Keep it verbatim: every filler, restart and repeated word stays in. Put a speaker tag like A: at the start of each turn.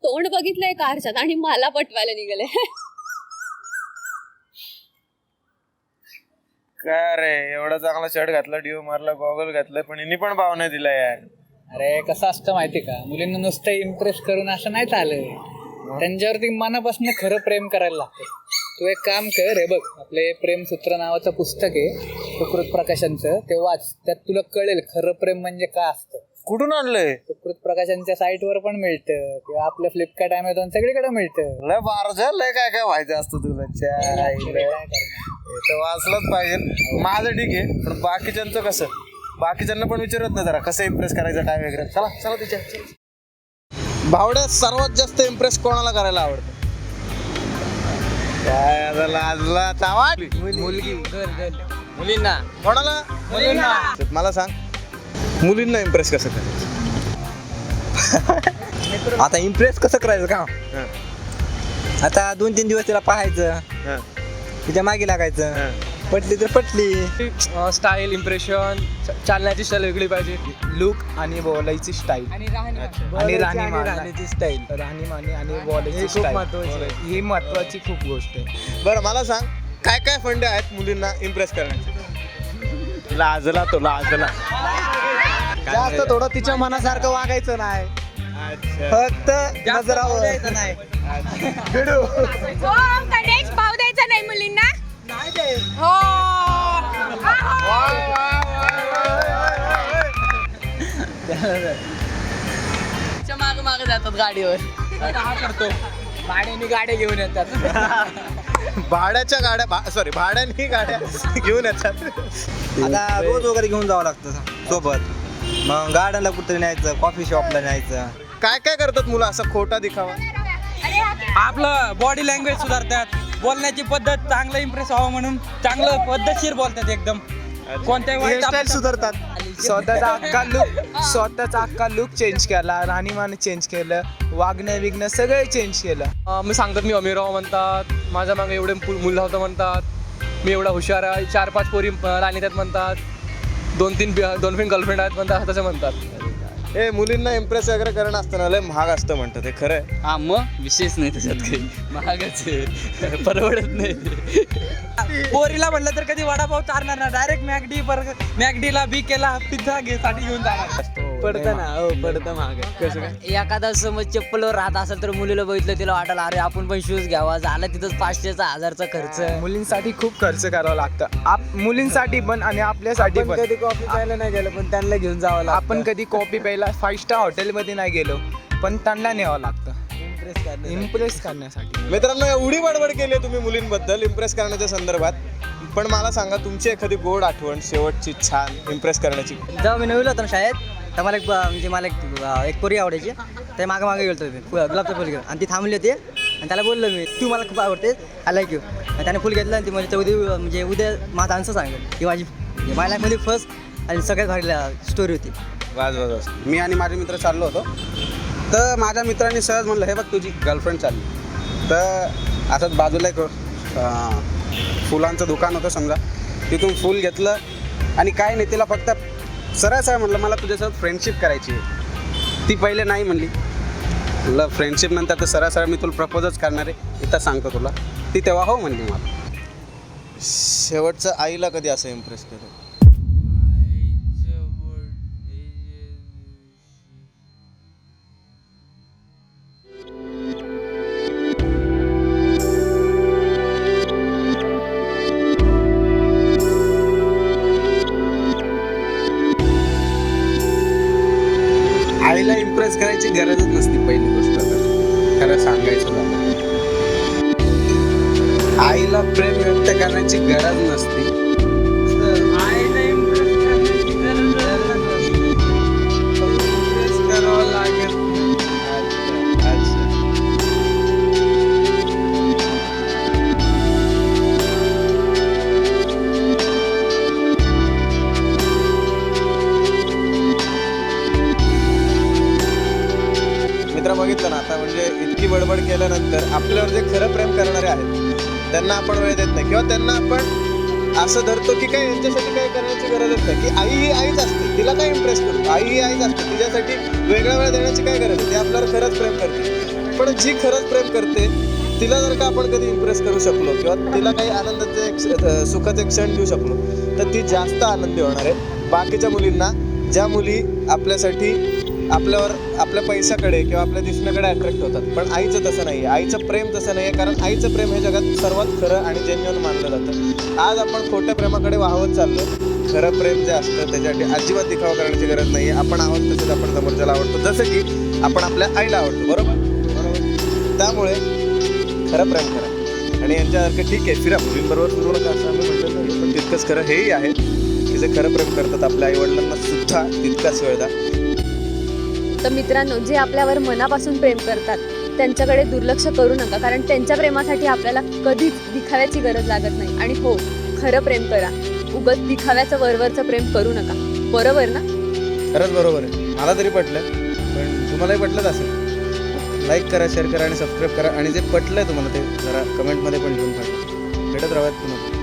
A: तोंड बघितलंय कारच्यात आणि मला पटवायला निघाले.
B: काय रे एवढा चांगला शर्ट घातला, डिओ मारला, गॉगल घातला, पण हिनी पण भाव नाही दिला यार.
C: अरे कसं असतं माहिती का, मुलींना नुसतं इम्प्रेस करून असं नाही चालत, त्यांच्यावरती मनापासून खरं प्रेम करायला लागतं. तू एक काम कर, हे बघ आपले प्रेमसूत्र नावाचं पुस्तक आहे सुकृत प्रकाशनचं, ते वाच, त्यात तुला कळेल खरं प्रेम म्हणजे काय असतं.
B: कुठून आणलंय?
C: सुकृत प्रकाशनच्या साईटवर पण मिळतं किंवा आपलं फ्लिपकार्ट अमेझॉन सगळीकडे मिळतं.
B: लय बारझा लय काय काय व्हायचं असतं तुला. वाचलंच पाहिजे. माझं ठीक आहे, पण बाकीच्यांचं कसं? बाकीच्यांना पण विचारत नाही जरा कसं इम्प्रेस करायचं काय वगैरे. चला चला तिच्या भावड्या सर्वात जास्त इम्प्रेस कोणाला करायला आवडतं? काय आता लाजला तावा मुलगी
C: मुलींना
B: कोणाला?
C: मुलींना.
B: मला सांग, मुलींना इम्प्रेस कसं करायचं?
D: आता इम्प्रेस कसं करायचं का? आता दोन तीन दिवस तिला पाहायचं, तिच्या मागे लागायचं, पटली तर पटली.
E: स्टाईल, इम्प्रेशन, चालण्याची स्टाईल वेगळी पाहिजे,
D: लुक आणि बोलायची स्टाईल
C: आणि
D: आणि राहणीमानाची स्टाईल, राहणीमानी आणि बोलायची स्टाईल ही महत्वाची खूप गोष्ट आहे.
B: बरं मला सांग, काय काय फंडे आहेत मुलींना इम्प्रेस करण्याचे? लाजला तो लाजला.
D: जास्त थोडं तिच्या मनासारखं वागायचं नाही, फक्त नजरावर नाही.
A: गणेश भाव द्यायचा नाही मुलींना. हो
C: माग माग जातात गाडीवर. करतो भाड्याने गाड्या घेऊन येतात.
B: भाड्याच्या गाड्या, सॉरी भाड्याने गाड्या घेऊन येतात.
D: आता रोज वगैरे घेऊन जावं लागतं सोबत, मग गार्डनला कुठतरी न्यायचं, कॉफी शॉपला न्यायचं.
B: काय काय करतात मुलं असा खोटा दिखावा?
F: आपलं बॉडी लँग्वेज सुधारतात, बोलण्याची पद्धत चांगलं इम्प्रेस व्हावं म्हणून चांगलं पद्धतशीर बोलतात एकदम. कोणत्याही वाईट
D: हेअरस्टाईल सुधारतात, स्वतःचा अख्खा लुक स्वतःचा अख्खा लुक चेंज केला, राहणीमान चेंज केलं, वागणं विगणं सगळं चेंज केलं.
E: अं, मी सांगतात मी अमीर राव म्हणतात, माझ्या मागे एवढे मुलं होतं म्हणतात, मी एवढा हुशार आहे, चार पाच पोरी राणी त्यात म्हणतात, दोन तीन दोन तीन गर्लफ्रेंड आहेत म्हणतात, तसं म्हणतात.
B: हे मुलींना इम्प्रेस वगैरे करणं असतं ना, लय महाग असतं म्हणतात, हे खरं आहे?
F: हा मग विशेष नाही त्याच्यात काही, महागच आहे, परवडत नाही. पोरीला म्हणलं तर कधी वडापाव चालणार ना, डायरेक्ट मॅगडी बर्गर, मॅगडीला बी केला पिझ्झा घे साठी घेऊन जाणार.
D: पडतं ना, हो पडतं महाग. कसं काय?
G: एखादा समज चप्पलवर राहत असेल तर मुलीला बघितलं तिला वाटायला अरे आपण पण शूज घ्यावा, झाला तिथंच पाचशेचा हजारचा खर्च.
D: मुलींसाठी खूप खर्च करावा लागतं, आप मुलींसाठी पण आणि आपल्यासाठी पण. कधी कॉफी प्यायला नाही गेलो पण त्यांना घेऊन जावं लागतं. आपण कधी कॉफी प्यायला फाईव्ह स्टार हॉटेलमध्ये नाही गेलो पण त्यांना न्यावं लागतं इम्प्रेस इम्प्रेस करण्यासाठी.
B: मित्रांनो, एवढी बडबड केली आहे तुम्ही मुलींबद्दल इम्प्रेस करण्याच्या संदर्भात, पण मला सांगा तुमची एखादी गोड आठवण शेवटची छान इम्प्रेस करण्याची.
G: जेव्हा मी नवीन होतो ना शाळेत, तर मला एक म्हणजे मला एक एक पोरी आवडायची, ते मागे मागे गेलो होतो गुलाबचं फुल घेऊन, आणि ती थांबली होती आणि त्याला बोललो मी तू मला खूप आवडते, आय लाईक यू. आणि त्याने फुल घेतलं आणि ती म्हणजे उद्या म्हणजे उद्या माझा आन्सर सांगेल ही माझी माझ्या लाईफमध्ये फर्स्ट आणि सगळ्यात भारी स्टोरी होती.
B: वाज वाज वाज.
H: मी आणि माझे मित्र चाललो होतो, तर माझ्या मित्रांनी सहज म्हणलं हे बघ तुझी गर्लफ्रेंड चालली. तर असंच बाजूला एक अं, फुलांचं दुकान होतं समजा, तिथून फुल घेतलं आणि काय नाही, तिला फक्त सरळ सरळ म्हटलं मला तुझ्यासोबत फ्रेंडशिप करायची आहे. ती पहिले नाही म्हणली, म्हटलं फ्रेंडशिप नंतर तर सरळ सरळ मी तुला प्रपोजच करणार आहे, इथं सांगतो तुला. ती तेव्हा हो म्हणली मला.
B: शेवटचं आईला कधी असं इम्प्रेस केलं?
H: आईला इम्प्रेस करायची गरजच नसती पहिली गोष्ट तर, खरं सांगायचं झालं. आईला प्रेम व्यक्त करण्याची गरज नसती. करावं लागेल.
B: मित्र बघितलं ना आता, म्हणजे इतकी बडबड केल्यानंतर आपल्यावर जे खरं प्रेम करणारे आहेत त्यांना आपण वेळ देत नाही, किंवा त्यांना आपण असं धरतो की काय यांच्यासाठी काय करण्याची गरजच नाही, की आई ही आईच असते, तिला काय इम्प्रेस करू, आई ही आईच असते, तिच्यासाठी वेगळा वेळ देण्याची काय गरज आहे, ती आपल्यावर खरंच प्रेम करते. पण जी खरंच प्रेम करते तिला जर का आपण कधी इम्प्रेस करू शकलो किंवा तिला काही आनंदाचे एक- अ, सुखाचे क्षण देऊ शकलो तर ती जास्त आनंदी होणार आहे. बाकीच्या मुलींना, ज्या मुली आपल्यासाठी आपल्यावर आपल्या पैशाकडे किंवा आपल्या दिसण्याकडे अट्रॅक्ट होतात, पण आईचं तसं नाही आहे. आईचं प्रेम तसं नाही आहे, कारण आईचं प्रेम हे जगात सर्वात खरं आणि जेन्युइन मानलं जातं. आज आपण खोट्या प्रेमाकडे वाहवत चाललो. खरं प्रेम जे असतं त्याच्यासाठी अजिबात दिखावा करण्याची गरज नाही आहे. आपण आहोत तसेच आपण समोरच्याला आवडतो, जसं की आपण आपल्या आईला आवडतो. बरोबर बरोबर त्यामुळे खरं प्रेम करा. आणि यांच्यासारखं ठीक आहे फिरा, मुलींबरोबर फिरू नका असं आम्ही म्हटलं नाही, पण तितकंच खरं हेही आहे की जे खरं प्रेम करतात आपल्या आईवडिलांना सुद्धा तितकाच वेळ द्या.
I: तर मित्रांनो, जे आपल्यावर मनापासून प्रेम करतात त्यांच्याकडे दुर्लक्ष करू नका, कारण त्यांच्या प्रेमासाठी आपल्याला कधीच दिखाव्याची गरज लागत नाही. आणि हो, खरं प्रेम करा, उगाच दिखाव्याचं वरवरचं प्रेम करू नका. बरोबर ना?
B: खरंच बरोबर आहे, मला तरी पटलं, पण तुम्हालाही पटलंच असेल. लाईक करा, शेअर करा आणि सबस्क्राईब करा. आणि जे पटलं आहे तुम्हाला ते जरा कमेंटमध्ये पण लिहून टाका. भेटत राहूयात पुन्हा.